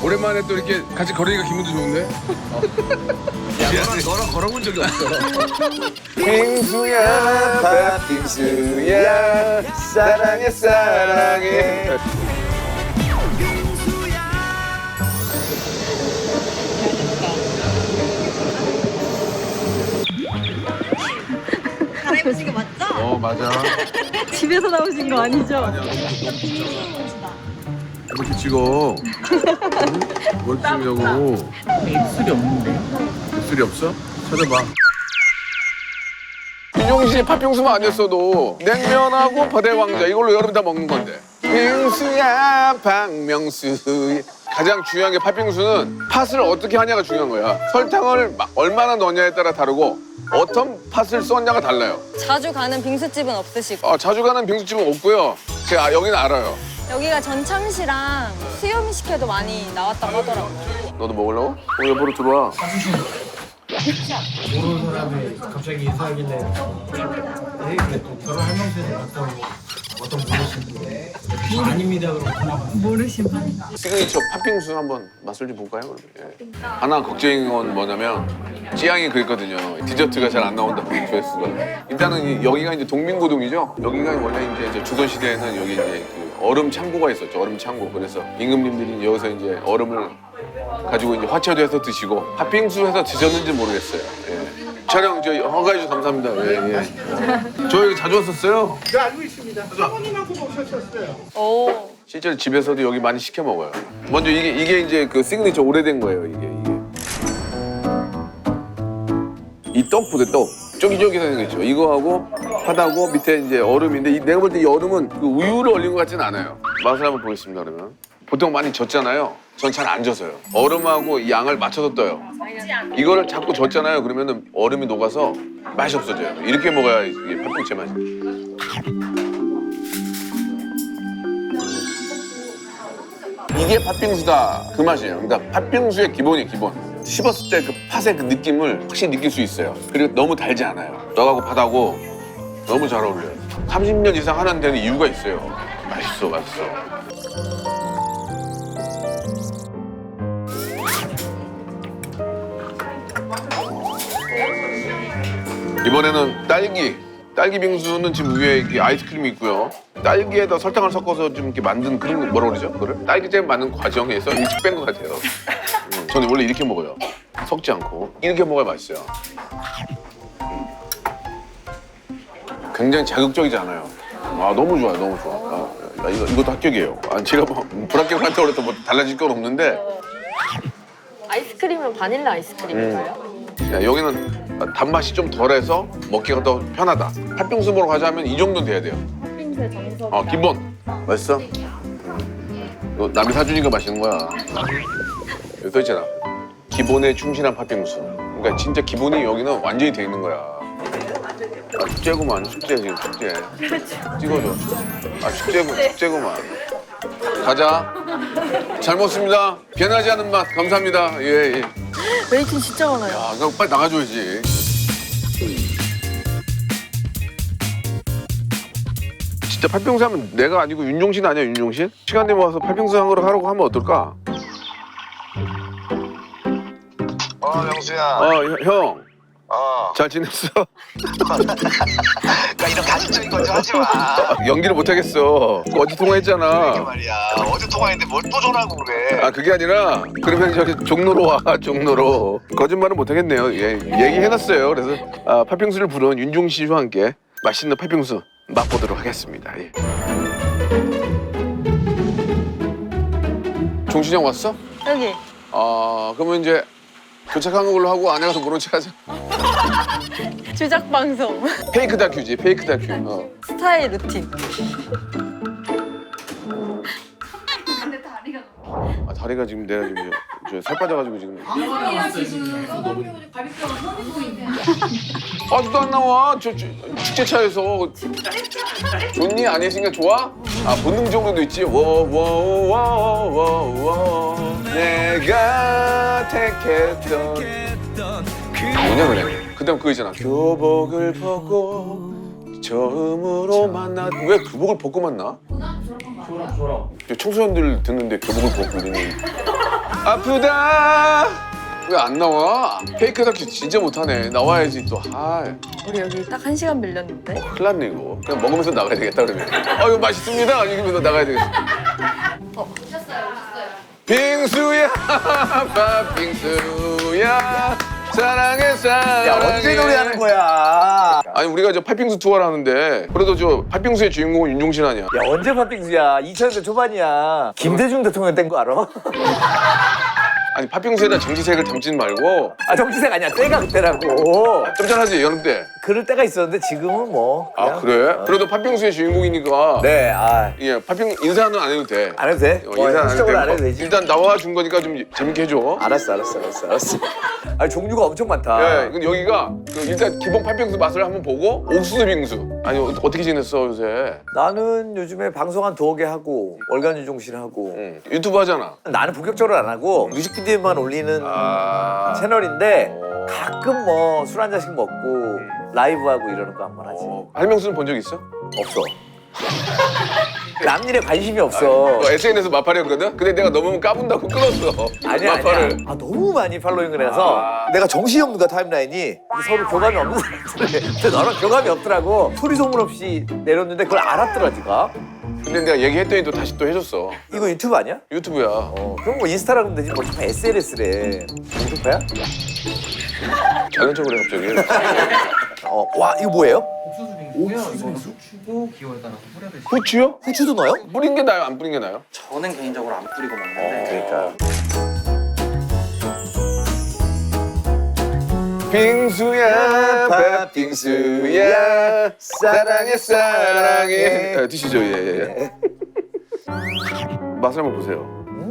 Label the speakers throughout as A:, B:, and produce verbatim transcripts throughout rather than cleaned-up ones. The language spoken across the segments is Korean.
A: 오랜만에 또 이렇게 같이 걸으니까 기분도 좋은데? 어.
B: 야, 너랑, 너랑 걸어본 적이 없어.
A: 빙수야, 팥빙수야, 사랑해, 사랑해.
C: 갈아입으신 거 맞죠?
A: 어, 맞아.
C: 집에서 나오신 거 아니죠?
A: 아니야, 이렇게 찍어. 응? 뭘 찍냐고.
B: 입술이 없는데?
A: 입술이 없어? 찾아봐. 윤종신이 팥빙수만 아니었어도 냉면하고 바다의 왕자 이걸로 여러분 다 먹는 건데. 빙수야 박명수. 가장 중요한 게 팥빙수는 팥을 어떻게 하냐가 중요한 거야. 설탕을 마- 얼마나 넣냐에 따라 다르고 어떤 팥을 썼냐가 달라요.
D: 자주 가는 빙수집은 없으시고
A: 아, 자주 가는 빙수집은 없고요. 제가 아, 여기는 알아요.
D: 여기가 전참시랑 수염시켜도 많이 나왔다고 하더라고요.
A: 너도 먹으려고? 어, 여보로 들어와.
E: 모르는 사람이 갑자기 인사하길래 에 그래 또 결혼 할명세를 갔다고 어떤 모르신 분 아닙니다 그러고
A: 시그니처 팥빙수 한번 맛을 좀 볼까요? 그러면? 예. 하나 걱정인 건 뭐냐면 찌양이 그랬거든요. 디저트가 잘 안 나온다고 조회수가. 일단은 이- 여기가 이제 동민고동이죠. 여기가 원래 이제 저 조선 시대에는 여기 이제 그 얼음 창고가 있었죠. 얼음 창고. 그래서 임금님들이 여기서 이제 얼음을 가지고 이제 화채도 해서 드시고 팥빙수 해서 드셨는지 모르겠어요. 예. 촬영 저 허가해 주셔서 감사합니다. 예, 예. 저 여기 자주 왔었어요.
E: 네 알고 있습니다 사모님하고 오셨었어요
D: 오.
A: 실제로 집에서도 여기 많이 시켜 먹어요. 먼저 이게 이게 이제 그 시그니처 오래된 거예요. 이게 이게 이 떡 보세요. 떡 쫄깃쫄깃한 거 있죠. 이거하고 팥하고 밑에 이제 얼음인데 이, 내가 볼 때 이 얼음은 그 우유를 얼린 것 같지는 않아요. 맛을 한번 보겠습니다. 그러면 보통 많이 젓잖아요. 전 잘 안 져서요. 얼음하고 이 양을 맞춰서 떠요. 이거를 자꾸 젓잖아요. 그러면은 얼음이 녹아서 맛이 없어져요. 이렇게 먹어야 이게 팥빙수 맛이. 이게 팥빙수다 그 맛이에요. 그러니까 팥빙수의 기본이 기본. 씹었을 때 그 팥의 그 느낌을 확실히 느낄 수 있어요. 그리고 너무 달지 않아요. 떡하고 팥하고 너무 잘 어울려요. 삼십 년 이상 하는 데는 이유가 있어요. 맛있어, 맛있어. 이번에는 딸기. 딸기 빙수는 지금 위에 이렇게 아이스크림이 있고요. 딸기에다 설탕을 섞어서 좀 이렇게 만든 그런 거 뭐라 그러죠? 그거를? 딸기잼 만든 과정에서 일찍 뺀 것 같아요. 음, 저는 원래 이렇게 먹어요. 섞지 않고. 이렇게 먹어야 맛있어요. 음. 굉장히 자극적이지 않아요. 아, 너무 좋아요, 너무 좋아. 아, 야, 이거, 이것도 합격이에요. 아, 제가 뭐 불합격한다고 그래서 뭐 달라질 건 없는데
F: 아이스크림은 바닐라 아이스크림인가요?
A: 야, 여기는 단맛이 좀 덜해서 먹기가 더 편하다. 팥빙수 먹으러 가자면 이 정도는 돼야 돼요.
F: 팥빙수의 정석.
A: 어, 기본. 맛있어? 음. 이거 남이 사주니까 맛있는 거야. 여기 써 있잖아. 기본에 충실한 팥빙수. 그러니까 진짜 기본이 여기는 완전히 돼 있는 거야. 아, 축제구만, 축제 지금 축제. 찍어줘. 아, 축제구, 축제구만. 가자. 잘 먹습니다. 변하지 않은 맛 감사합니다. 예, 예.
F: 웨이팅 진짜 많아요.
A: 아, 그럼 빨리 나가줘야지. 진짜 팥빙수 하면 내가 아니고 윤종신 아니야, 윤종신? 시간 되면 와서 팥빙수 한 그릇 하라고 하면 어떨까?
G: 어, 명수야.
A: 어, 형.
G: 어.
A: 잘 지냈어?
G: 그러니까 이런 가식적인 건 좀 하지 마.
A: 연기를 못 하겠어. 어제
G: 이게
A: 통화했잖아.
G: 말이야. 어제 통화했는데 뭘 또 전화하고 그래.
A: 아, 그게 아니라 그러면 저기 종로로 와, 종로로. 거짓말은 못 하겠네요. 예, 얘기해놨어요. 그래서 아, 팥빙수를 부른 윤종신 씨와 함께 맛있는 팥빙수 맛보도록 하겠습니다. 예. 종신이 형 왔어?
D: 여기.
A: 아, 그러면 이제 도착한 걸로 하고 안에 가서 모른 척 하자.
D: 주작 방송.
A: 페이크 다큐지, 페이크 다큐. 어.
D: 스타일 루틴.
A: 아, 다리가 지금 내가 지금 저 살 빠져가지고 지금. 아직도 안 나와. 저, 저 축제차에서. 좋니? 안 했으니까 좋아? 아, 본능적으로도 있지. 워워워워워 내가 택했던 뭐냐 그래. 그다음 그거 있잖아. 교복을 벗고 처음으로 만나. 왜 교복을 벗고 만나?
E: 졸업 졸업
A: 청소년들 듣는데 교복을 벗고 이러니 아프다. 왜 안 나와? 케이크 다큐 진짜 못하네. 나와야지 또. 아,
F: 우리 여기 딱 한 시간 밀렸는데.
A: 큰일 났네 이거. 그냥 먹으면서 나가야 되겠다 그러면. 아 이거 맛있습니다. 이러면서 나가야 되겠어.
F: 어, 오셨어요, 오셨어요.
A: 빙수야, 팥빙수야, 사랑해 사랑해.
H: 야 언제 노래하는 거야?
A: 아니 우리가 저 팥빙수 투어를 하는데 그래도 저 팥빙수의 주인공은 윤종신 아니야?
H: 야 언제 팥빙수야? 이천 년대 초반이야. 김대중 대통령 된 거 알아?
A: 아니 팥빙수에다 정치색을 담진 말고
H: 아 정치색 아니야. 때가 그때라고.
A: 점잖하지 여름 때.
H: 그럴 때가 있었는데 지금은 뭐.
A: 아
H: 그냥.
A: 그래? 그래도 팥빙수의 주인공이니까.
H: 네. 아.
A: 예, 팥빙 인사는 안 해도 돼.
H: 안 해도 돼?
A: 어,
H: 어,
A: 인사 안 해도
H: 형식적으로 안
A: 돼.
H: 해도 되지.
A: 일단 나와 준 거니까 좀 재밌게 해줘.
H: 알았어, 알았어, 알았어, 알았어. 아니 종류가 엄청 많다.
A: 예, 근데 여기가 그 일단 기본 팥빙수 맛을 한번 보고 옥수수 빙수. 아니 어- 어떻게 지냈어 요새?
H: 나는 요즘에 방송 한 두어 개 하고 월간 유종신 하고
A: 응. 유튜브 하잖아.
H: 나는 본격적으로 안 하고 뮤직비디오만 올리는
A: 아.
H: 채널인데
A: 어.
H: 가끔 뭐 술 한 잔씩 먹고 라이브 하고 이러는 거 한 번 하지.
A: 어, 할명수는 본 적 있어?
H: 없어. 남 일에 관심이 없어.
A: 너 에스엔에스 마팔이었거든? 근데 내가 너무 까분다고 끊었어.
H: 아니야,
A: 마팔을.
H: 아니야. 아, 너무 많이 팔로잉을 해서
A: 아.
H: 내가 정신이 없는 거야, 타임라인이. 서로 교감이 없는 사람들이. 근데 너랑 교감이 없더라고. 소리 소문 없이 내렸는데 그걸 알았더라, 니가.
A: 근데 내가 얘기했더니 또 다시 또 해줬어.
H: 이거 유튜브 아니야?
A: 유튜브야.
H: 어, 그럼 뭐 인스타라 그러면 되지. 뭐 자꾸 에스엔에스래. 유튜브야?
A: 자연적으로 해 갑자기.
H: 어, 와, 이거 뭐예요?
B: 옥수수 빙수고요. 이거는 후추고 기호에 따라서 뿌려 드시면
A: 후추요?
H: 후추도 넣어요?
A: 뿌린 게 나요? 안 뿌린 게 나요?
B: 저는 개인적으로 안 뿌리고 먹는데
H: 그러니까.
A: 빙수야, 팥빙수야, 사랑해, 사랑해. 아, 드시죠, 예, 예. 예. 맛을 한번 보세요.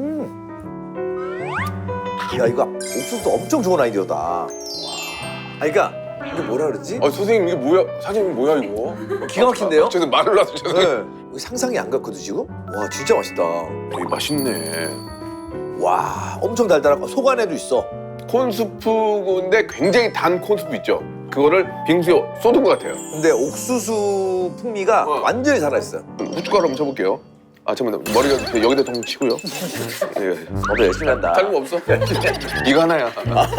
H: 야, 이거 옥수수도 엄청 좋은 아이디어다. 와. 아니, 그러니까 이게 뭐라 그러지?
A: 아, 선생님 이게 뭐야? 사장님 뭐야 이거?
H: 기가 막힌데요?
A: 저도 말을 놔서 죄송해요.
H: 네. 이거 상상이 안 갔거든, 지금? 와, 진짜 맛있다.
A: 되게 맛있네.
H: 와, 엄청 달달하고 속 안에도 있어.
A: 콘스프인데 굉장히 단 콘스프 있죠? 그거를 빙수에 쏟은 것 같아요.
H: 근데 옥수수 풍미가
A: 어.
H: 완전히 살아있어요.
A: 후춧가루 한번 쳐볼게요. 아 잠깐만 머리가 여기다 좀 치고요. 예.
H: 너도 열심히 한다.
A: 다른 거 없어? 이거 하나야.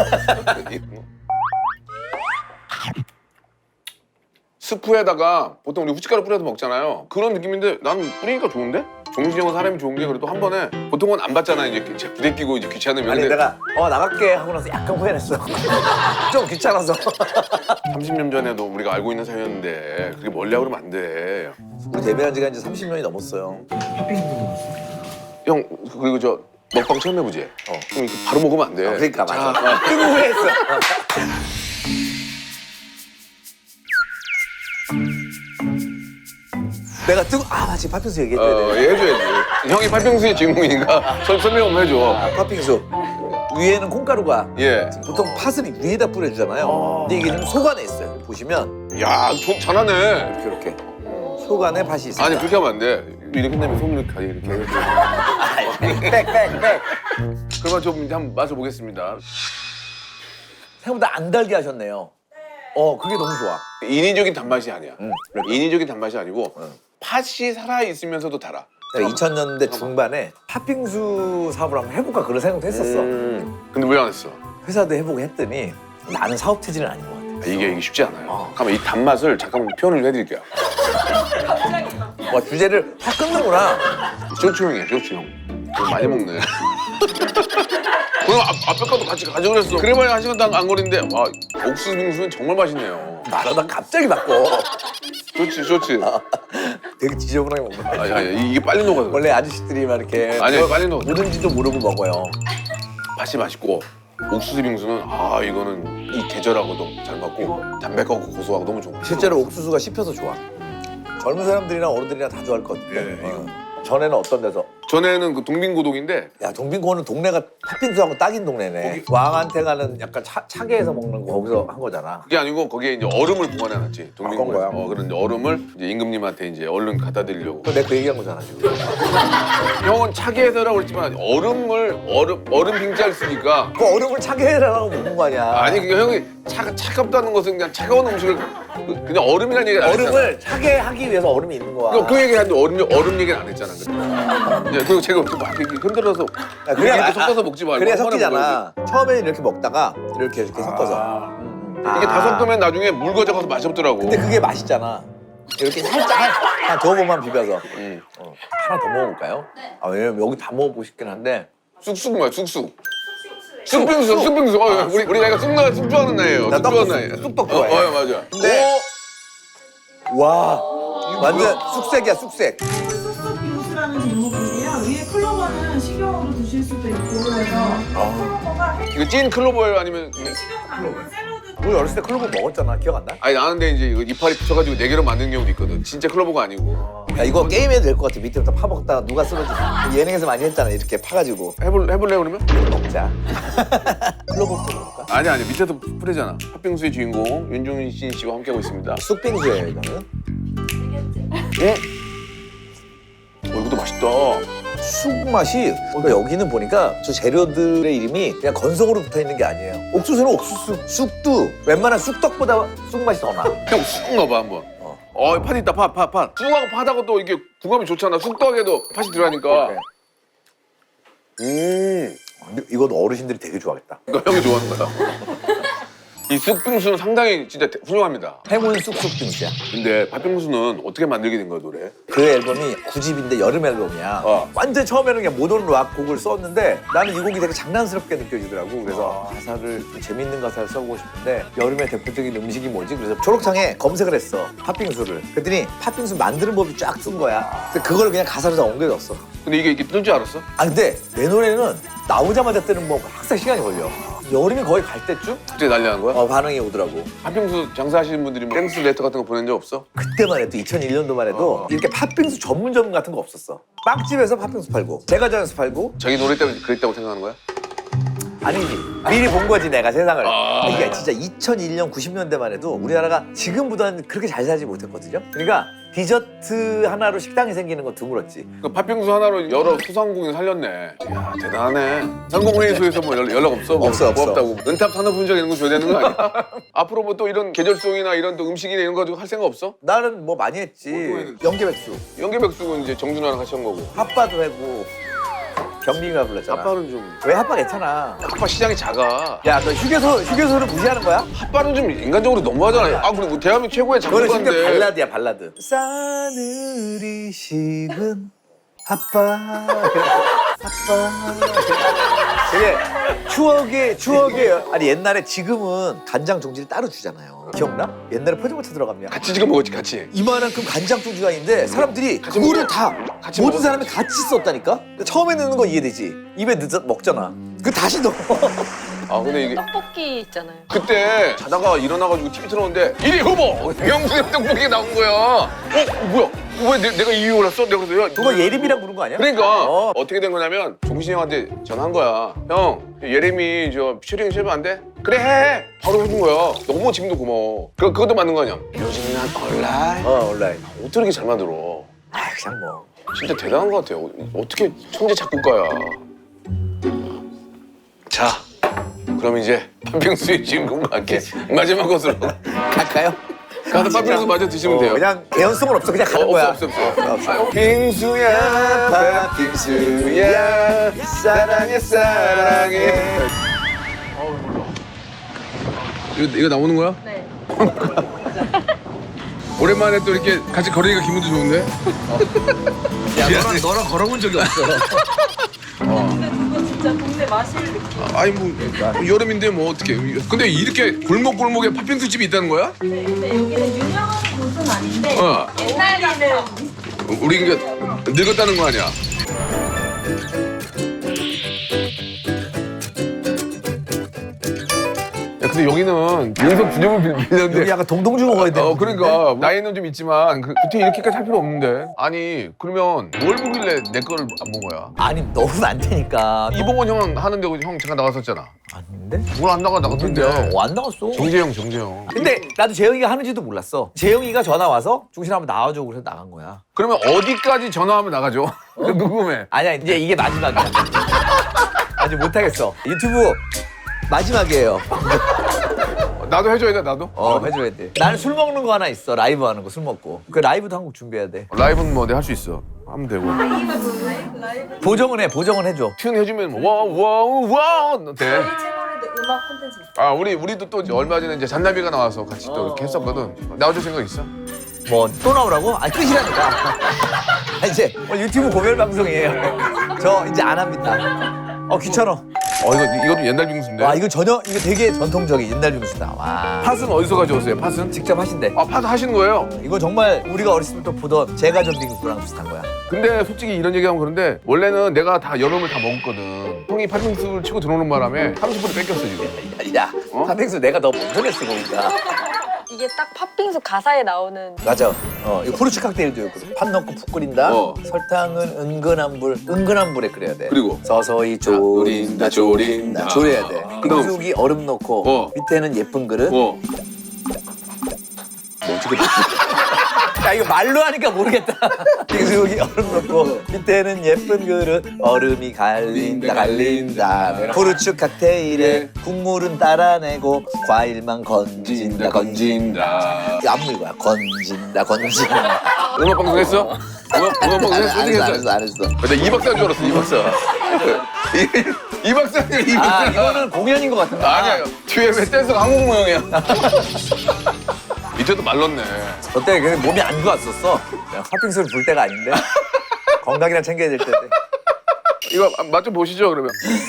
A: 스프에다가 보통 우리 후춧가루 뿌려서 먹잖아요. 그런 느낌인데 나는 뿌리니까 좋은데? 종신이 형은 사람이 좋은 게 그래도 한 번에 보통은 안 받잖아 이제 부대 끼고 이제 귀찮으면.
H: 아니,
A: 근데
H: 내가 어 나갈게 하고 나서 약간 후회했어. 좀 귀찮아서.
A: 삼십 년 전에도 우리가 알고 있는 사이였는데 그게 멀리 하고 그러면 안 돼.
H: 우리 데뷔한 지가 이제 삼십 년이 넘었어요.
B: 팥빙수 먹었어요.
A: 형 그리고 저 먹방 처음 해보지?
H: 어.
A: 그럼 이거 바로 먹으면 안 돼.
H: 어, 그러니까 맞아.
A: 자,
H: 그리고 후회했어. 내가 뜨고 아 맞지 팥빙수 얘기했대.
A: 어, 해줘야지. 형이 팥빙수의 주인공이니까 설- 설명 한번 해줘.
H: 아, 팥빙수 위에는 콩가루가
A: 예.
H: 보통 팥을 위에다 뿌려주잖아요. 근데 이게 좀 속 안에 있어요. 보시면
A: 야, 좀 잘하네.
H: 이렇게 이렇게 속 안에 팥이 있어요.
A: 아니 그렇게 하면 안 돼. 이렇게 끝나면 소문을 가게 이렇게.
H: 빽빽빽.
A: 그러면 좀 이제 한번 맛을 보겠습니다.
H: 생각보다 안 달게 하셨네요. 어 그게 너무 좋아.
A: 인위적인 단맛이 아니야.
H: 응, 그러니까.
A: 인위적인 단맛이 아니고
H: 응.
A: 팥이 살아 있으면서도 달아.
H: 내가 이천 년대 중반에 팥빙수 사업을 한번 해볼까 그런 생각도 했었어.
A: 음. 근데 왜 안 했어?
H: 회사도 해보고 했더니 나는 사업 체질은 아닌 것 같아.
A: 이게 이게 쉽지 않아요.
H: 어.
A: 그러면 이 단맛을 잠깐만 표현을 해드릴게요.
H: 와 주제를 확 끊는구나.
A: 쇼츠 형이야, 쇼츠 형. 좀 많이 먹네. 그럼 앞, 앞에 것도 같이 가져오랬어 그래봐야 한 시간도 안, 안 걸리는데 와 옥수수 빙수는 정말 맛있네요.
H: 말하다 갑자기 바꿔.
A: 쇼츠, 쇼츠.
H: 되게 지저분하게 먹는 거야.
A: 아, 야, 야, 이게 빨리 녹아서.
H: 원래 아저씨들이 막 이렇게
A: 아니야,
H: 뭐,
A: 빨리 넣어.
H: 뭐든지도 모르고 먹어요.
A: 맛이 맛있고 옥수수 빙수는 아 이거는 이 계절하고도 잘 맞고 담백하고 고소하고 너무 좋은 거.
H: 실제로 옥수수가 씹혀서 좋아. 젊은 사람들이나 어른들이나 다 좋아할 것 같아.
A: 예,
H: 어. 전에는 어떤 데서?
A: 전에는 그 동빙고동인데
H: 야 동빙고는 동네가 팥빙수하고 딱인 동네네. 왕한테 가는 약간 차, 차게에서 먹는 거 거기서 한 거잖아.
A: 그게 아니고 거기에 이제 얼음을 보관해놨지. 동빙고에.
H: 아, 그런 거야?
A: 어 그런 이제 얼음을 이제 임금님한테 이제 얼른 갖다 드리려고.
H: 그거 내가 그 얘기한 거잖아 지금.
A: 형은 차게 해서라고 그랬지만 얼음을 얼음 얼음 빙자를 쓰니까
H: 그 얼음을 차게 해라고 먹는 거 아니야.
A: 아니 그게 형이 차 차갑다는 것은 그냥 차가운 음식을 그- 그냥 얼음이라는 얘기를 안 했잖아.
H: 얼음을 차게 하기 위해서 얼음이 있는 거야.
A: 그, 그 얘기 하는데 얼음, 얼음 얘기는 안 했잖아. 근데. 예, 그리고 제가 막 이렇게 흔들어서
H: 야,
A: 그냥
H: 아,
A: 섞어서 먹지 말고
H: 그래야
A: 한 번에
H: 섞이잖아. 처음에는 이렇게 먹다가 이렇게 이렇게 섞어서.
A: 아.
H: 음.
A: 이게 다 섞으면 나중에 묽어져 가서 맛이 없더라고.
H: 근데 그게 맛있잖아. 이렇게 살짝 한 두어 번만 비벼서.
A: 음.
H: 어. 하나 더 먹어볼까요? 네. 아, 왜냐면 여기 다 먹어보고 싶긴 한데.
A: 쑥쑥 뭐야 쑥쑥. 쑥빙수 쑥빙수. 어, 우리 우리 나이가 쑥, 나, 쑥 좋아하는 나이에요.
H: 나
A: 쑥
H: 떡,
A: 좋아하는 나이.
H: 쑥떡
A: 어,
H: 좋아해.
A: 어, 맞아.
H: 근데 와 완전 쑥색이야 쑥색.
I: 쑥쑥 빙수라는 제목인데요. 위에 클로버는 식용으로 드실 수도 있고 그래서 클로버가
A: 오, 이거 찐 클로버예요 아니면?
I: 식용 가능한 샐러드
H: 우리 어렸을 때 클로버 먹었잖아. 기억 안 나?
A: 아니 나는데 이제 이거 이파리 붙여가지고 네 개로 만드는 경우도 있거든. 진짜 클로버가 아니고.
H: 야 이거 게임해도 될 것 같아. 밑에부터 파먹다가 누가 쓰러지지. 예능에서 많이 했잖아. 이렇게 파가지고
A: 해볼 해볼래 그러면?
H: 먹자. 클로버 먹을까?
A: 아니 아니 밑에도 뿌리잖아. 팥빙수의 주인공 윤종신 씨와 함께하고 있습니다.
H: 쑥빙수예요 이거는.
A: 예? 어 이것도 맛있다.
H: 쑥 맛이 그러니까 여기는 보니까 저 재료들의 이름이 그냥 건성으로 붙어 있는 게 아니에요. 옥수수는 옥수수, 쑥도 웬만한 쑥떡보다 쑥 맛이 더 나.
A: 형 쑥 넣어봐 한번.
H: 어.
A: 어, 팥 있다 팥 팥 팥. 쑥하고 팥하고 또 이게 궁합이 좋잖아. 쑥떡에도 팥이 들어가니까. 음.
H: 근데 이건 어르신들이 되게 좋아하겠다.
A: 이거 형이 좋아하는 거야. 이 쑥빙수는 상당히 진짜 대- 훌륭합니다.
H: 행운 쑥쑥빙수야.
A: 근데 팥빙수는 어떻게 만들게 된 거야 노래?
H: 그 앨범이 구 집인데 여름 앨범이야.
A: 어.
H: 완전 처음에는 그냥 모던 락 곡을 썼는데 나는 이 곡이 되게 장난스럽게 느껴지더라고. 그래서 가사를 좀 재밌는 가사를 써보고 싶은데 여름의 대표적인 음식이 뭐지? 그래서 초록창에 검색을 했어. 팥빙수를. 그랬더니 팥빙수 만드는 법이 쫙 쓴 거야. 그래서 그걸 그냥 가사로 다 옮겨줬어.
A: 근데 이게 이게 뜰 줄 알았어?
H: 아 근데 내 노래는 나오자마자 뜨는 뭐 항상 시간이 걸려. 여름이 거의 갈 때쯤
A: 그때 난리 난 거야?
H: 어, 반응이 오더라고.
A: 팥빙수 장사하시는 분들이 뭐 땡스 레터 같은 거 보낸 적 없어?
H: 그때만 해도 이천일 년도만 해도
A: 어.
H: 이렇게 팥빙수 전문점 같은 거 없었어. 빵집에서 팥빙수 팔고 제과점에서 팔고
A: 자기 노래 때문에 그랬다고 생각하는 거야?
H: 아니지. 미리 본 거지 내가 세상을.
A: 아.
H: 이게 진짜 이천일 년 구십 년대만 해도 우리나라가 지금보다는 그렇게 잘 살지 못했거든요. 그러니까 디저트 하나로 식당이 생기는 건 드물었지.
A: 그 팥빙수 하나로 여러 소상공인 살렸네. 이야 대단하네. 상공회의소에서 뭐 연락, 연락 없어? 뭐
H: 없어, 없어.
A: 고맙다고. 은탑 산업훈장 이런 거 줘야 되는 거 아니야? 앞으로 뭐 또 이런 계절송이나 이런 또 음식이나 이런 거 가지고 할 생각 없어?
H: 나는 뭐 많이 했지.
A: 뭐 또 했는데?
H: 연계백수,
A: 연계백숙은 이제 정준하랑 같이 한 거고.
H: 핫바도 하고 경빈이가 불렀잖아.
A: 핫바는 좀.
H: 왜 핫바 괜찮아?
A: 핫바 시장이 작아.
H: 야, 너 휴게소 휴게소를 무시하는 거야?
A: 핫바는 좀 인간적으로 너무하잖아요. 아 그리고 대한민국 최고의
H: 그거는 심지어
A: 작곡가인데.
H: 발라드야 발라드. 싸늘이 식은 핫바 핫바 되게 추억의 추억의 아니 옛날에 지금은 간장 종지를 따로 주잖아요. 기억나? 옛날에 포장마차 들어가면
A: 같이 지금 먹었지 같이.
H: 이만한큼 간장 종지가 있는데 사람들이
A: 같이
H: 그거를
A: 먹어요.
H: 다
A: 같이
H: 모든
A: 먹어요.
H: 사람이 같이 썼다니까. 처음에 넣는 건 이해되지. 입에 넣어 먹잖아. 그 다시 넣어.
A: 아 근데 이게
D: 떡볶이 있잖아요.
A: 그때 자다가 일어나가지고 티비 틀었는데 일 위 후보 명수의 떡볶이 나온 거야. 어 뭐야? 왜 내, 내가 이 위 올랐어? 내가 그래서 야,
H: 그거 예림이랑 부른 거 아니야?
A: 그러니까
H: 어.
A: 어. 떻게 된 거냐면 종신이 형한테 전화한 거야. 형 예림이 저 피처링 해주면 안 돼? 그래 해. 바로 해준 거야. 너무 지금도 고마워. 그 그것도 맞는 거 아니야? 요즘 난 온라인.
H: 어 온라인.
A: 어떻게 이렇게 잘 만들어?
H: 아 그냥 뭐.
A: 진짜 대단한 것 같아요. 어떻게 천재 작곡가야. 자, 그럼 이제 팥빙수의 주인공과 함께 마지막 것으로
H: 갈까요?
A: 가서 팥빙수 마저 드시면
H: 어,
A: 돼요.
H: 그냥 개연성은 없어. 그냥 가는
A: 어,
H: 거야.
A: 없어 없어 없어.
H: 없어.
A: 아, 빙수야 팥빙수야 사랑해 사랑해. 이거 이거 나오는 거야?
D: 네.
A: 오랜만에 또 이렇게 같이 걸으니까 기분도 좋은데?
H: 야 너랑 너랑 걸어본 적이 없어.
C: 근데 그거 진짜 동네 마실 느낌.
A: 아니 뭐 여름인데 뭐 어떻게? 근데 이렇게 골목 골목에 팥빙수 집이 있다는 거야?
C: 네, 근데 여기는 유명한 곳은 아닌데
A: 어.
C: 옛날에는
A: 우리 이게 늙었다는 거 아니야? 야 근데 여기는 윤석 분영을
H: 여기
A: 빌렸는데.
H: 약간 동동주 먹어야 돼.
A: 어 그러니까 나이는 좀 있지만 그, 그때 이렇게까지 할 필요 없는데. 아니 그러면 뭘 보길래 내 거를 안 본 거야?
H: 아니 너는 안 되니까.
A: 이봉원 형 하는데 형 잠깐 나갔었잖아.
H: 아닌데?
A: 뭘 안 나가 나갔던데.
H: 어, 안 나갔어.
A: 정재영 정재영.
H: 근데 나도 재영이가 하는지도 몰랐어. 재영이가 전화 와서 중신 한번 나와줘 그래서 나간 거야.
A: 그러면 어디까지 전화하면 나가죠? 궁금해.
H: 아니야 이제 이게 마지막이야. 아직 못하겠어. 유튜브 마지막이에요.
A: 나도 해줘야 돼 나도.
H: 어 해줘야 돼. 나는 술 먹는 거 하나 있어. 라이브 하는 거 술 먹고. 그 라이브도 한 곡 준비해야 돼.
A: 라이브는 뭐 내가 할 수 있어. 하면 되고.
H: 보정은 해. 보정은 해줘.
A: 튠 해주면 와와와 돼.
C: 저희 채널에도 음악 콘텐츠 있어요.
A: 아 우리 우리도 또 이제 얼마 전에 이제 잔나비가 나와서 같이 또 이렇게 했었거든. 나와줄 생각 있어?
H: 뭐 또 나오라고? 아니 끝이라니까. 아, 이제 오늘 유튜브 고별 방송이에요. 저 이제 안 합니다. 어 귀찮아.
A: 어 이거 이것도 옛날 빙수인데.
H: 와 이거 전혀 이거 되게 전통적인 옛날 빙수다. 와.
A: 팥은 어디서 가져오세요? 팥은?
H: 직접 하신대.
A: 아 팥 하시는 거예요?
H: 이거 정말 우리가 어렸을 때부터 보던 제과점 빙수랑 비슷한 거야.
A: 근데 솔직히 이런 얘기하면 그런데 원래는 내가 다 여름을 다 먹었거든. 형이 팥빙수를 치고 들어오는 바람에 삼십 분이 뺏겼어 지금.
H: 야,
A: 어?
H: 팥빙수 내가 더 먼저 냈어 보니까.
D: 이게 딱 팥빙수 가사에 나오는
H: 맞아. 어, 이거 후르츠 칵테일도 있고. 팥 넣고 푹 끓인다.
A: 어.
H: 설탕은 은근한 불, 은근한 불에 끓여야 돼.
A: 그리고?
H: 서서히 조린다, 조린다, 조려야 돼.
A: 그다음?
H: 빙수기 얼음 넣고
A: 어.
H: 밑에는 예쁜 그릇.
A: 어. 뭐 어떻게 됐지?
H: 야 이거 말로 하니까 모르겠다. 빙수기 얼음 넣고 밑에는 예쁜 그릇. 얼음이 갈린다, 갈린다. 후르츠 칵테일에 국물은 따라내고 과일만 건진다, 건진다. 이거 안물 거야. 건진다, 건진다.
A: 음악 방송 했어? 음악, 음악 방송 했어?
H: 안
A: 어떻게
H: 했어, 안
A: 했어?
H: 했어, 안 했어.
A: 나 이 박사인 줄 알았어, 이 박사. 이, 이 박사인데, 이 박사.
H: 아 이거는 공연인 것 같은데.
A: 아니야, 뒤에 왜 댄서가 한국 모형이야? 밑에도 말랐네.
H: 그때 그 몸이 안 좋았었어. 그냥 팥빙수를 불 때가 아닌데. 건강이나 챙겨야 될 텐데.
A: 이거 맛 좀 보시죠, 그러면.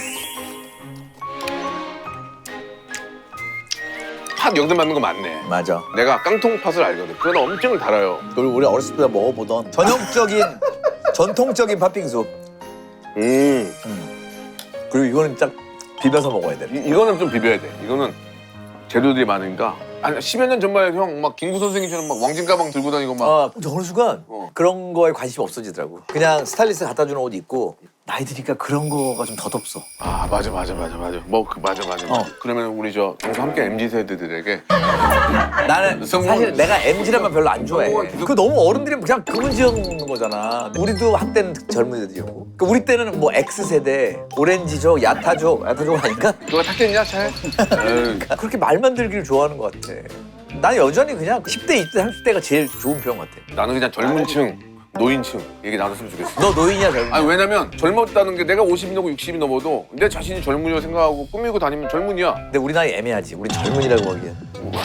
A: 팥 영대 맞는 거 맞네.
H: 맞아.
A: 내가 깡통 팥을 알거든. 그건 엄청 달아요.
H: 그리고 우리 어렸을 때 먹어보던 전형적인 전통적인 팥빙수.
A: 음.
H: 그리고 이거는 딱 비벼서 먹어야 돼.
A: 이, 이거는 좀 비벼야 돼. 이거는 재료들이 많으니까. 한 십여 년 전만 해도 형 막 김구 선생님처럼 막 왕진 가방 들고 다니고 막.
H: 아, 근데 어느 순간
A: 어.
H: 그런 거에 관심이 없어지더라고. 그냥 스타일리스트 갖다 주는 옷 입고 나이 드니까 그런 거가 좀 덧없어.
A: 아 맞아 맞아 맞아 맞아. 뭐 그 맞아 맞아. 맞아.
H: 어.
A: 그러면 우리 저 방송 함께 엠지 세대들에게
H: 나는
A: 성공-
H: 사실 내가 엠지라면 별로 안 좋아해.
A: 성공한 기록-
H: 그 너무 어른들이 그냥 그분 지어놓는 거잖아. 우리도 한때는 젊은 애들이었고. 그 우리 때는 뭐 X세대, 오렌지족, 야타족, 야타족 아닌가?
A: 누가 탔겠냐 차에? 에이.
H: 그렇게 말만 들기를 좋아하는 것 같아. 나는 여전히 그냥 십 대, 이십 대, 삼십 대가 제일 좋은 편 같아.
A: 나는 그냥 젊은층, 노인층 얘기 나눴으면 좋겠어.
H: 너 노인이야, 젊은이야?
A: 아니 왜냐면 젊었다는 게 내가 오십이 넘고 육십이 넘어도 내 자신이 젊은이라고 생각하고 꾸미고 다니면 젊은이야.
H: 근데 우리 나이 애매하지. 우리 젊은이라고 하기엔.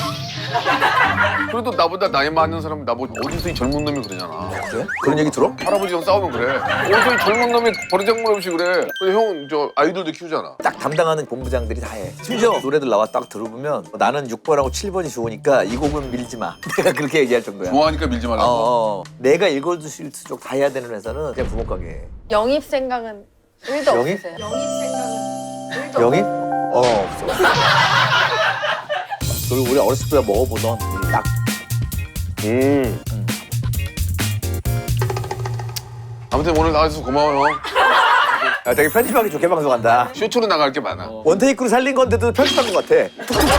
A: 그래도 나보다 나이 많은 사람은 나보고 어디서 이 젊은 놈이 그러잖아.
H: 그래? 그런 얘기 들어?
A: 할아버지랑 싸우면 그래. 어디서 이 젊은 놈이 버리장물 없이 그래. 근데 형 저 아이들도 키우잖아.
H: 딱 담당하는 본부장들이 다 해. 심지어 노래들 나와 딱 들어보면 나는 육 번하고 칠 번이 좋으니까 이 곡은 밀지 마. 내가 그렇게 얘기할 정도야.
A: 좋아하니까 밀지
H: 어,
A: 말라고.
H: 어. 내가 일거수 쪽 다 해야 되는 회사는 그냥 부모가게.
D: 영입 생각은 일도
H: 영입?
D: 없으세요?
H: 영입? 어, 없어. 그리고 우리 어렸을 때 먹어보던 딱
A: 음. 아무튼 오늘 나와줘서 고마워 형.
H: 야, 되게 편집하기 좋게 방송한다.
A: 쇼츠로 나갈 게 많아.
H: 원테이크로 살린 건데도 편집한 것 같아.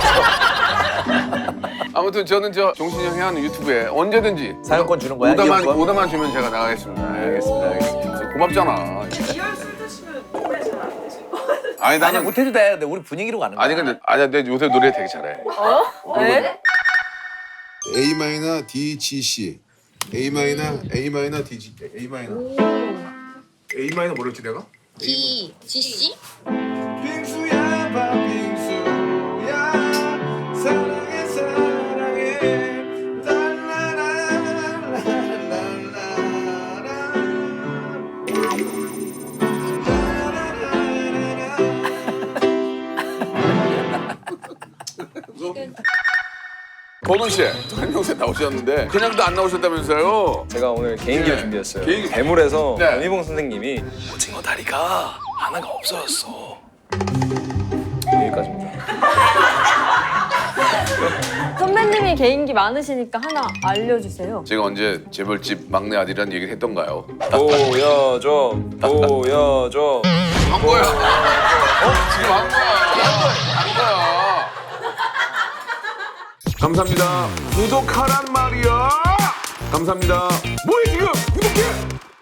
A: 아무튼 저는 저 종신이 형이 하는 유튜브에 언제든지
H: 사연권 주는 거야?
A: 오다만
H: 이용권?
A: 오다만 주면 제가 나가겠습니다.
H: 알겠습니다, 알겠습니다.
A: 고맙잖아.
I: 이열 술 드시면 노래 잘 안 되실 것 같아요.
A: 아니
H: 아니
A: 나는
H: 못해도 돼. 근데 우리 분위기로 가는 거야.
A: 아니 근데 아니야 내 요새 노래 되게 잘해.
D: 어? 왜?
J: A 마이너 D G C A 마이너 A 마이너 D G A 마이너 A 마이너 뭐랬지 내가?
F: D, G, C?
J: 빙수야 팥빙수야 사랑해 사랑해
A: 건우 씨, 한명세 나오셨는데 그냥도 안 나오셨다면서요?
B: 제가 오늘 개인기를
A: 네.
B: 준비했어요.
A: 개인기.
B: 대물에서
A: 네.
B: 연희봉 선생님이 오징어 다리가 하나가 없어졌어. 여기까지입니다.
D: 선배님이 개인기 많으시니까 하나 알려주세요.
A: 제가 언제 재벌집 막내 아들이라는 얘기를 했던가요?
B: 보여줘, 보여줘.
A: 한 거야. 어? 지금 한 거야. 한 거야. 감사합니다. 구독하란 말이야. 감사합니다. 뭐해 지금?